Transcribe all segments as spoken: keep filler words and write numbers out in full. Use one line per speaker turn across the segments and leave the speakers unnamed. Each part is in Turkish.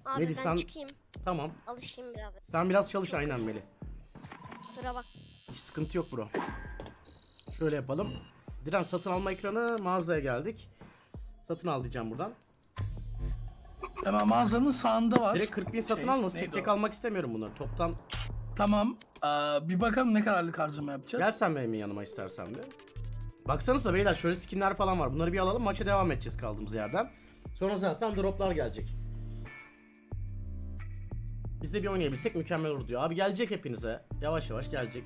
Abi
Melih,
ben
sen-
çıkayım.
Tamam.
Alışayım biraz.
Sen biraz çalış aynen Melih.
Kusura bak.
Hiç sıkıntı yok bro. Şöyle yapalım. Diren satın alma ekranı, mağazaya geldik. Satın al diyeceğim buradan.
Hemen mağazanın sağında var.
Direkt kırk bin satın
Şey,
almasın. Tek
neydi
tek
o?
almak istemiyorum bunları. Toptan
Tamam. Ee, bir bakalım ne kadarlık harcama yapacağız.
gel sen benim yanıma istersen bir. Baksanıza beyler, şöyle skinler falan var. Bunları bir alalım, maça devam edeceğiz kaldığımız yerden. Sonra zaten droplar gelecek. Biz de bir oynayabilsek mükemmel olur diyor. Abi gelecek hepinize. Yavaş yavaş gelecek.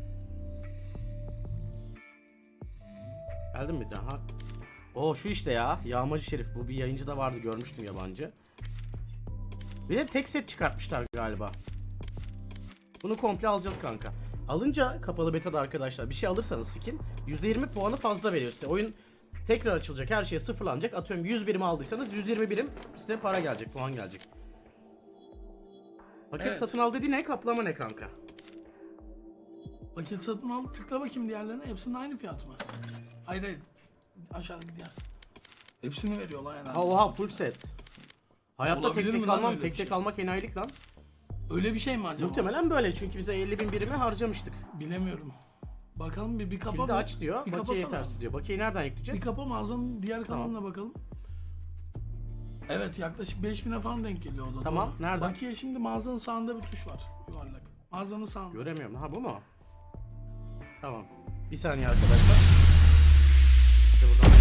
Geldin mi daha? Oo şu işte ya. Yağmacı Şerif. Bu bir yayıncı da vardı, görmüştüm yabancı. Bir de tek set çıkartmışlar galiba. Bunu komple alacağız kanka. Alınca kapalı beta'da arkadaşlar bir şey alırsanız skin yüzde yirmi puanı fazla verir size. Oyun tekrar açılacak, her şey sıfırlanacak. Atıyorum yüz birim aldıysanız yüz yirmi birim size para gelecek, puan gelecek. Paket
Evet.
satın al dedi ne, kaplama ne kanka?
Paket satın al, tıkla bakayım diğerlerine. Hepsinin aynı fiyatı mı? Hayır hayır. Aşağıdaki diğer. Hepsini veriyorlar yani.
Ha oha full set. Hayatta
Olabilir
tek
mi
tek
lan
almam,
öyle
tek
bir
tek
şey?
almak enayilik lan.
Öyle bir şey mi acaba?
Muhtemelen böyle çünkü bize elli bin birimi harcamıştık.
Bilemiyorum. Bakalım bir bir kapa.
Kilidi
bir-
aç diyor,
bir
bakiye
kapasana.
yetersiz diyor. Bakiyeyi nereden
Bir
yükleyeceğiz?
kapa mağazanın diğer
Tamam.
kanalına bakalım. Evet yaklaşık beş bine falan denk geliyor o da.
Tamam,
doğru.
nereden?
Bakiye şimdi mağazanın sağında bir tuş var. Yuvarlak. Mağazanın sağında.
Göremiyorum. Ha bu mu? Tamam. Bir saniye arkadaşlar. İşte buradan.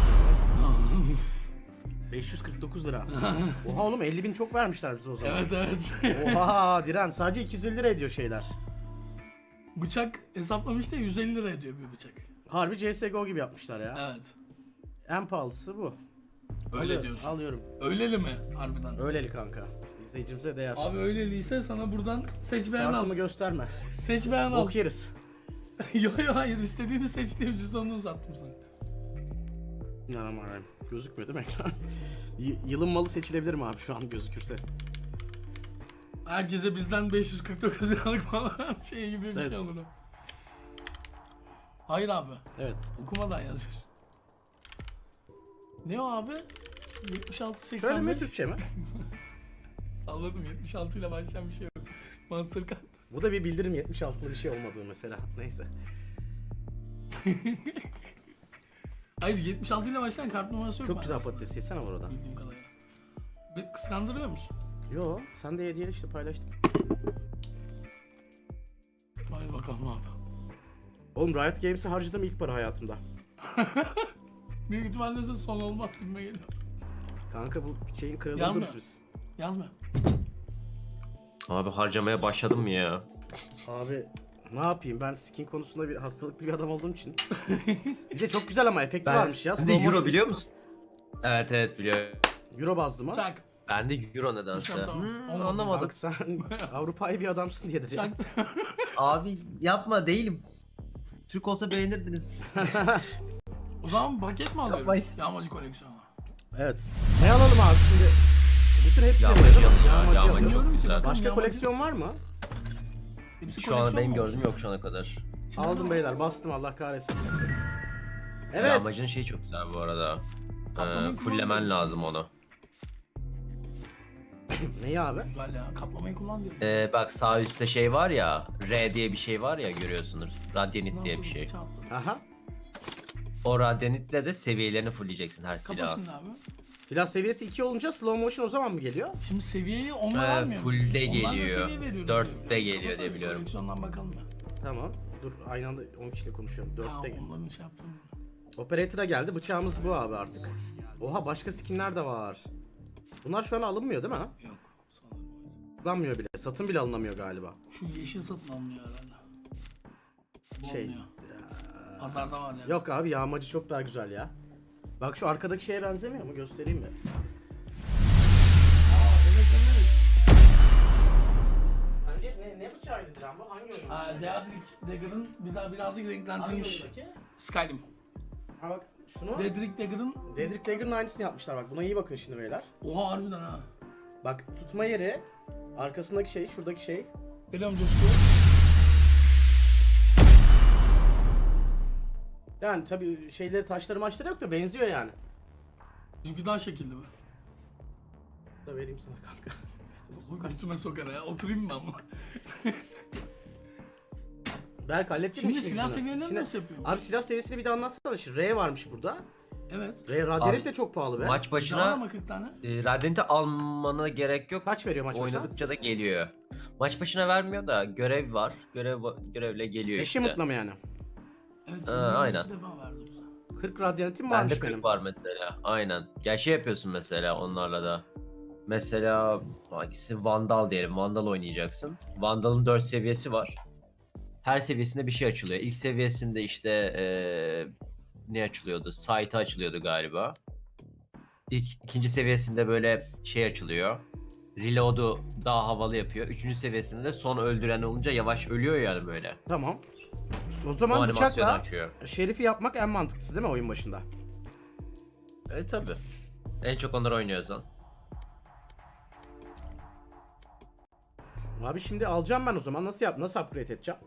beş yüz kırk dokuz lira. Oha oğlum, elli bin çok vermişler bize o zaman.
Evet evet.
Oha Diren, sadece iki yüz elli lira ediyor şeyler.
Bıçak hesaplamış da yüz elli lira ediyor bir bıçak.
Harbi C S G O gibi yapmışlar ya.
Evet.
En pahalısı bu.
Öyle
Alıyorum,
diyorsun.
Alıyorum.
Öyleli mi harbiden?
Öyleli kanka. İzleyicimize değer.
Abi öyleliyse sana buradan seç beğen al.
Kartımı gösterme.
Seç beğen al.
Bok yeriz.
yo yo hayır istediğini seç diye cüzdanını uzattım sana.
İnanamıyorum. Gözükmüyor değil mi ekran? Y- yılın malı seçilebilir mi abi şu an gözükürse?
Herkese bizden beş yüz kırk dokuz liralık falan şey gibi bir
Evet.
şey olur o. Hayır abi.
Evet.
Okumadan yazıyorsun. Ne o abi? yetmiş altı seksen beş.
Şöyle mi, Türkçe mi?
Salladım yetmiş altı ile başlayan bir şey yok. Mastercard.
Bu da bir bildirim, yetmiş altılı bir şey olmadığı mesela. Neyse.
Hayır yetmiş altı ile başlayan kart numarası yok.
Çok güzel
maalesef.
patates yesene var orada.
Bildiğim kadarıyla. Bir kıskandırıyor musun?
Yo, sen de hediyeyle işte paylaştım.
Vay bakalım abi.
Oğlum Riot Games'e harcadığım ilk para hayatımda.
Büyük ihtimalle de son olmaz gibime geliyor.
Kanka bu şeyin kralını
Yazma.
buluruz biz.
Yazma.
Abi harcamaya başladım mı ya?
Abi ne yapayım, ben skin konusunda bir hastalıklı bir adam olduğum için. Bir de çok güzel ama efekti varmış ya.
Ben de
Slow
euro
motion.
biliyor musun? Evet evet biliyorum.
Euro bazlı mı?
Çak.
Ben de euro nedense.
Tamam, tamam.
Hmm,
Olmadı.
anlamadım.
Bak sen Avrupa'yı bir adamsın diyedir ya.
Çak.
Abi yapma değilim. Türk olsa beğenirdiniz.
O zaman paket mi alıyoruz?
Yapmayın.
Yağmacı koleksiyonu.
Evet. Ne alalım abi şimdi? Bütün hepsi
Yağmacı
alalım.
yanıyor ya,
Yağmacı
yağmacı
alalım.
çok
Bilmiyorum ki,
güzel.
bakalım.
Başka
Yağmacı-
koleksiyon var mı?
Hepsi
Şu an
koleksiyon
benim
mu
gördüğüm
olsun?
yok şu ana kadar.
Şimdi
Aldım
ne
beyler,
var?
bastım, Allah kahretsin.
Evet.
Evet.
Yağmacının şeyi çok güzel bu arada.
Kaplamayı
Ee, fulllemen
kullanmıyoruz.
lazım onu.
Neyi abi?
Güzel ya. Kaplamayı kullan diyorum.
Ee, bak sağ üstte şey var ya. R diye bir şey var ya, görüyorsunuz. Radyanit
Ne
diye bir
yapalım?
şey.
Çarptım.
Aha.
O radyanitle de seviyelerini fullleyeceksin her
Kapa
silahın.
şimdi abi.
Silah seviyesi iki olunca slow motion o zaman mı geliyor?
Şimdi seviyeyi onunla
Ee,
vermiyor muyuz?
full'de
Onlarla
geliyor.
seviye veriyoruz
Dörtte
diye
geliyor
biliyorum.
diye
Kapa
biliyorum.
koleksiyondan bakalım ya.
Tamam. Dur aynı anda on kişiyle konuşuyorum.
Ha,
Dörtte gel.
onların şey yaptım.
Operator'a geldi. Bıçağımız bu abi artık. Oha, başka skinler de var. Bunlar şu an alınmıyor değil mi?
Yok. Sanırım.
Alınmıyor bile. Satın bile alınamıyor galiba.
Şu yeşil satın alınıyor herhalde. Bu
Şey.
olmuyor. Pazarda var ya.
Yok abi, yağmacı çok daha güzel ya. Bak şu arkadaki şeye benzemiyor mu? Göstereyim mi?
Aa, evet evet.
Bence ne, ne bıçağıydı Diren bu? Hangi oyun?
Aa, Deadrick Dagger'ın bir daha birazcık renklendirilmiş. Skyrim.
Ha bak şunu.
Deadrick Dagger'ın
Dedrick Dagger'ın aynısını yapmışlar bak. Buna iyi bakın şimdi beyler.
oha harbiden ha.
Bak tutma yeri, arkasındaki şey, şuradaki şey.
Geliyorum Coşku.
Yani tabii şeyleri, taşları maçları yok da benziyor yani.
Çünkü daha şekilli bu.
Da vereyim sana kanka.
Bu götüme sokar ya. Oturayım mı ama?
Berk hallettin
Şimdi
mi işini
silah
gücünü?
seviyelerini
Şimdi-
nasıl yapıyormuş?
Abi silah seviyesini bir de anlatsana. Şimdi R varmış burada.
Evet.
R Radyanit
Abi,
de çok pahalı be.
Maç
Daha
başına
ama kırk tane.
e, Radiant'i almana gerek yok.
Kaç veriyor maç başına?
Oynadıkça da geliyor. Maç başına vermiyor da görev var. Görev görevle geliyor
Eşi
işte.
mutlu mu yani?
Evet.
Ee,
bunu
aynen.
iki defa verdi bize.
kırk Radyanitim
Bende
varmış
kırk
benim.
var mesela. Aynen. Ya şey yapıyorsun mesela onlarla da. Mesela hangisi Vandal diyelim. Vandal oynayacaksın. Vandal'ın dört seviyesi var. Her seviyesinde bir şey açılıyor. İlk seviyesinde işte eee, ne açılıyordu? Site açılıyordu galiba. İlk, ikinci seviyesinde böyle şey açılıyor. Reload'u daha havalı yapıyor. Üçüncü seviyesinde de son öldüren olunca yavaş ölüyor yani böyle.
Tamam. O
O
zaman
animasyonu
bıçakla
açıyor.
Şerif'i yapmak en mantıklısı değil mi oyun başında?
E tabi. En çok onları oynuyorsan.
Abi şimdi alacağım ben o zaman. Nasıl yap? Nasıl upgrade edeceğim?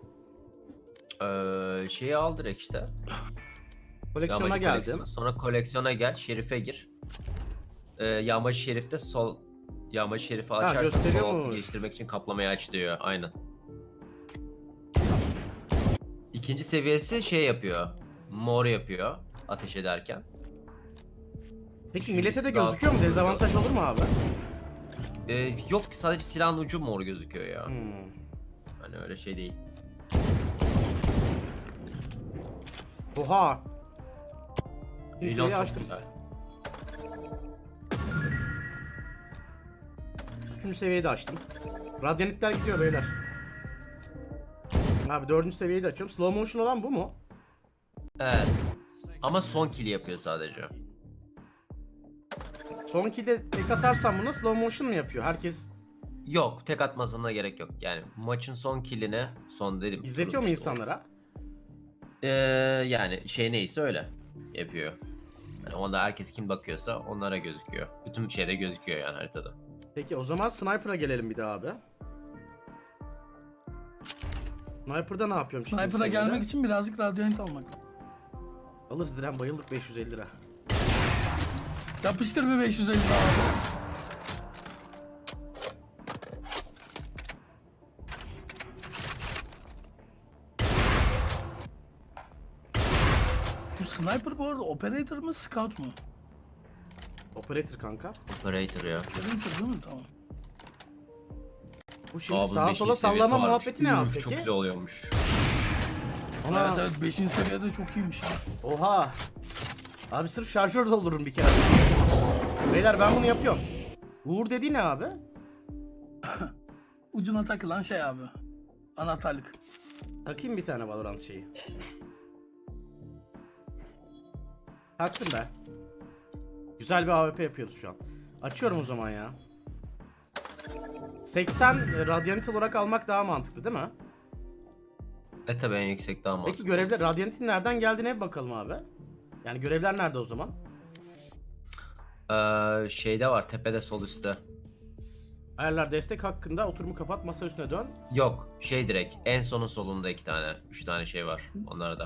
Ee, şeyi al direkt işte.
Koleksiyona
Yağmacı
geldim.
koleksiyonu. Sonra koleksiyona gel, Şerif'e gir. Ee, Yağmacı Şerif'te sol Yağmacı Şerif'i açarsan sol altı
gösteriyormuş.
geliştirmek için kaplamayı aç diyor. Aynen. İkinci seviyesi şey yapıyor. Mor yapıyor ateş ederken.
Peki
Üçüncüsü
millete de
daha
gözüküyor mu?
sonra
Dezavantaj olur mu abi?
Ee, yok sadece silahın ucu mor gözüküyor ya.
Hmm.
Hani öyle şey değil.
Oha. Bir
Reload
seviye
çok
açtım.
güzel.
Üçüncü seviyeyi de açtım. Radyanitler gidiyor beyler. Abi dördüncü seviyeyi de açıyorum. Slow motion olan bu mu?
Evet. Ama son kill yapıyor sadece.
Son kill'de tek atarsam bunu slow motion mu yapıyor? Herkes
Yok, tek atmasına gerek yok. Yani maçın son killini, son dedim.
izletiyor mu
kurulmuş o.
insanlara?
Ee, yani şey neyse öyle yapıyor. Yani onda herkes kim bakıyorsa onlara gözüküyor. Bütün şeyde gözüküyor yani haritada.
Peki o zaman Sniper'a gelelim bir daha abi. Sniper'da ne yapıyorum şimdi?
Sniper'a gelmek için birazcık radyanit almak lazım.
Alırız Diren, bayıldık beş yüz elli lira.
Yapıştır bir beş yüz elli daha. Bu sniper bu arada operator mı scout mu?
Operator kanka.
Operator ya.
Operator değil mi? Tamam.
Bu şimdi
Aa, bunun
sağa
beşinci
sola
seviyesi
sallama
varmış.
muhabbeti ne abi
Üf,
peki?
Çok güzel oluyormuş.
Ana.
Evet evet beşinci seviyede çok iyiymiş ya.
Oha. Abi sırf şarjör doldururum bir kere. Beyler ben bunu yapıyorum. Uğur dediği ne abi?
Ucuna takılan şey abi. Anahtarlık.
Takayım bir tane Valorant şeyi. Taktım ben. Güzel bir A W P yapıyoruz şu an. Açıyorum o zaman ya. seksen Radiant olarak almak daha mantıklı değil mi?
E tabi en yüksek daha mantıklı.
Peki görevler Radiant'in nereden geldiğine bir bakalım abi. Yani görevler nerede o zaman?
Ee, şeyde var tepede sol üstte.
Ayarlar destek hakkında oturumu kapat, masa üstüne dön.
Yok şey direkt en sonun solunda iki tane. Üç tane şey var onlarda.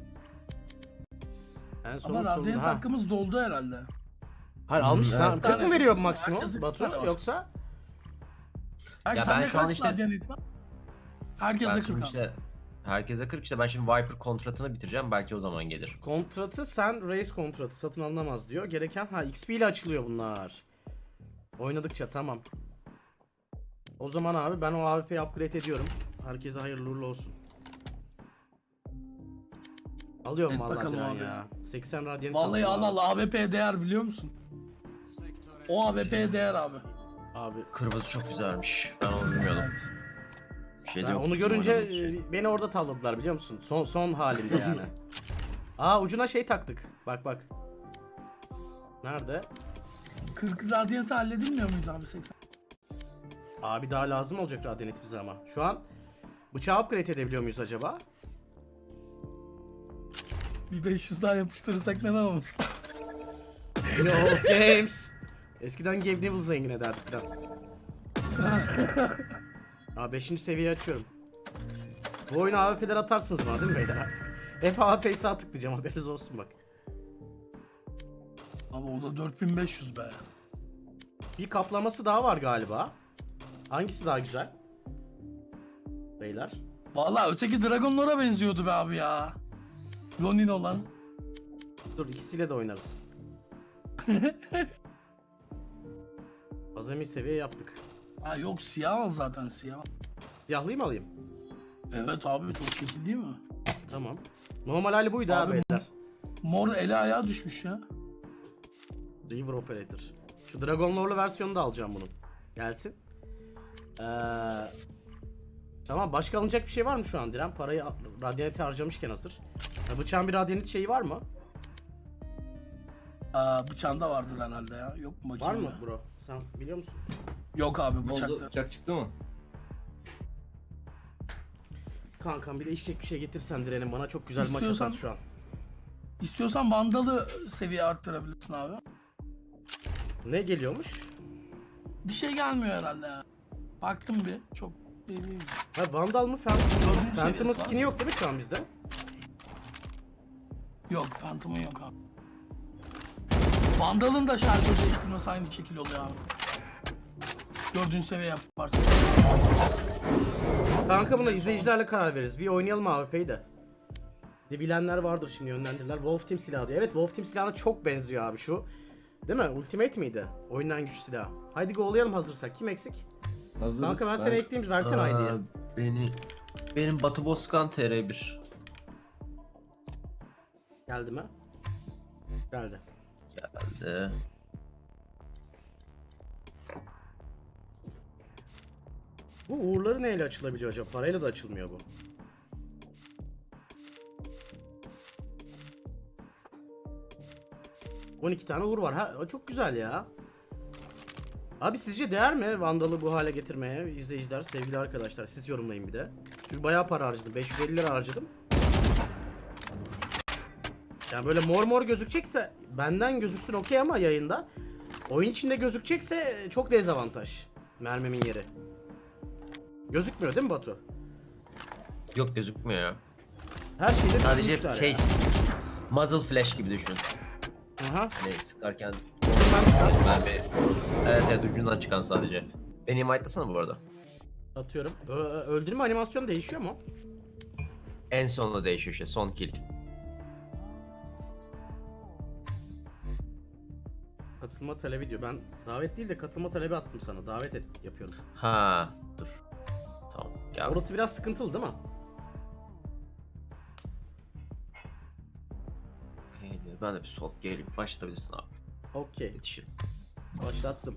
En sonun
Ama radyant
sonunda. Ha.
hakkımız doldu herhalde.
Hayır
Hmm,
almış. Sen
evet.
kırk mı veriyor maksimum
Herkesin
Batu
bir tane var.
yoksa?
Belki
Ya
sende
ben şu an
kaç
işte-
radyant var? Herkese
Ben
kırk
şimdi
abi.
işte herkese kırk işte ben şimdi Viper kontratını bitireceğim belki o zaman gelir.
Kontratı sen race kontratı satın alınamaz diyor. Gereken ha X P ile açılıyor bunlar. Oynadıkça tamam. O zaman abi ben o A W P'yi upgrade ediyorum. Herkese hayırlı uğurlu olsun. Alıyorum
Et
vallahi
bakalım
Diren
abi.
ya. seksen radyant
Vallahi
aldım
al
abi.
al A W P değer biliyor musun? O A W P değer abi.
Abi
Kırmızı çok güzelmiş. Ben onu bilmiyordum. Bir şey de
ben
yok
onu
bizim
görünce
oynadığımız şey.
e, beni orada tavladılar biliyor musun? Son son halinde yani. Aa ucuna şey taktık. Bak bak. Nerede?
kırk radyantı halledilmiyor muydu abi seksen?
Abi daha lazım olacak radyanit bize ama. Şu an bıçağı upgrade edebiliyor muyuz acaba?
Bir beş yüz daha yapıştırırsak neden olmasın?
The old games. Eskiden Gabe Newell zengin ederdik falan. Aa beşinci seviye açıyorum. Bu oyuna A W P'ler atarsınız bana değil mi beyler artık? Hep A W P'yi sağ tıklayacağım haberiniz olsun bak.
Abi o da dört bin beş yüz be.
Bir kaplaması daha var galiba. Hangisi daha güzel? Beyler.
Vallahi öteki Dragon Lore'a benziyordu be abi ya. Ronin olan.
Dur ikisiyle de oynarız. Azami seviye yaptık.
Ha yok siyah al zaten siyah.
Siyahlıyı mı alayım?
Evet abi çok kötü değil mi?
Tamam. Normal hali buydu abi,
Abi
beyler.
Mor eli ayağı düşmüş ya.
River Operator. Şu Dragon Lore'lu versiyonu da alacağım bunun. Gelsin. Ee, tamam, başka alınacak bir şey var mı şu an Diren? Parayı Radiant'e harcamışken hazır. Ya, bıçağın bir Radiant şeyi var mı?
Aa, bıçağında vardır herhalde ya. Yok mu
Var
bakayım
mı
ya.
bro? Sen biliyor musun?
Yok abi
Ne oldu?
bıçakta.
Bıçak çıktı mı?
Kankam bir de içecek bir şey getirsen Diren'in, bana çok güzel maç
İstiyorsan-
atarsın şu an.
İstiyorsan Vandal'ı seviye arttırabilirsin abi.
Ne geliyormuş?
Bir şey gelmiyor herhalde ya. Baktım bir çok belli değil.
Ha, Vandal mı? Phantom
Dördüncü
mu? Phantom'ın
seviyesi var.
skin'i yok değil mi şu an bizde?
Yok Phantom'un yok abi. Vandal'ın da şarjör değiştirmesi aynı şekil oluyor abi. Dördüncü seviye yaparsın.
Kanka buna izleyicilerle karar veririz. Bir oynayalım A W P'yi de. De bilenler vardır şimdi, yönlendirirler. Wolf Team silahı diyor. Evet, Wolf Team silahına çok benziyor abi şu. Değil mi? Ultimate miydi? Oyunun en güçlü silahı. Haydi go'layalım hazırsak. Kim eksik?
Hazırız.
Kanka ben seni ekleyeyim, versene
Aa,
I D'yi.
Beni, benim Batı Bozkan T R bir.
Geldi mi? Geldi.
Geldi.
Bu uğurları neyle açılabiliyor acaba? Parayla da açılmıyor bu. on iki tane uğur var. Ha, çok güzel ya. Abi sizce değer mi Vandal'ı bu hale getirmeye? İzleyiciler, sevgili arkadaşlar, siz yorumlayın bir de. Çünkü bayağı para harcadım. beş yüz elli lira harcadım. Yani böyle mor mor gözükecekse benden gözüksün okey, ama yayında oyun içinde gözükecekse çok dezavantaj. Mermimin yeri. Gözükmüyor değil mi Batu?
Yok gözükmüyor ya.
Her şeyde
Sadece
düşünmüşler
şey,
ya.
muzzle flash gibi düşün.
Aha.
Hani sıkarken
Ben
mermi, evet evet ucundan çıkan sadece. Beni invite'lasana bu arada.
atıyorum. Ö- öldürme animasyonu değişiyor mu?
En sonunda değişiyor işte, son kill.
Katılma talebi diyor. Ben davet değil de katılma talebi attım sana. Davet et yapıyorum.
Ha, dur. Tamam, gel.
Orası biraz sıkıntılı değil mi?
Okey, ben de bir sol geleyim. Başlatabilirsin abi.
Okey.
Yetişirim.
Başlattım.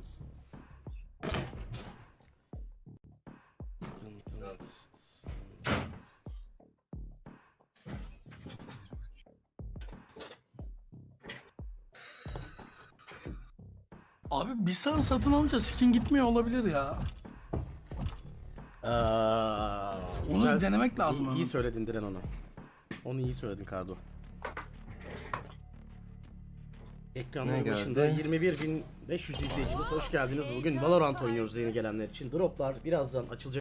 Abi bir sana satın alınca skin gitmiyor olabilir ya.
Aa,
Onu
güzel.
bir denemek lazım.
İyi,
ama.
iyi söyledin Diren onu. Onu iyi söyledin Kardo. Ekranların
Ne
başında
geldi?
yirmi bir bin beş yüz izleyicimiz, hoş geldiniz. Bugün Valorant oynuyoruz yeni gelenler için. Droplar birazdan açılacak.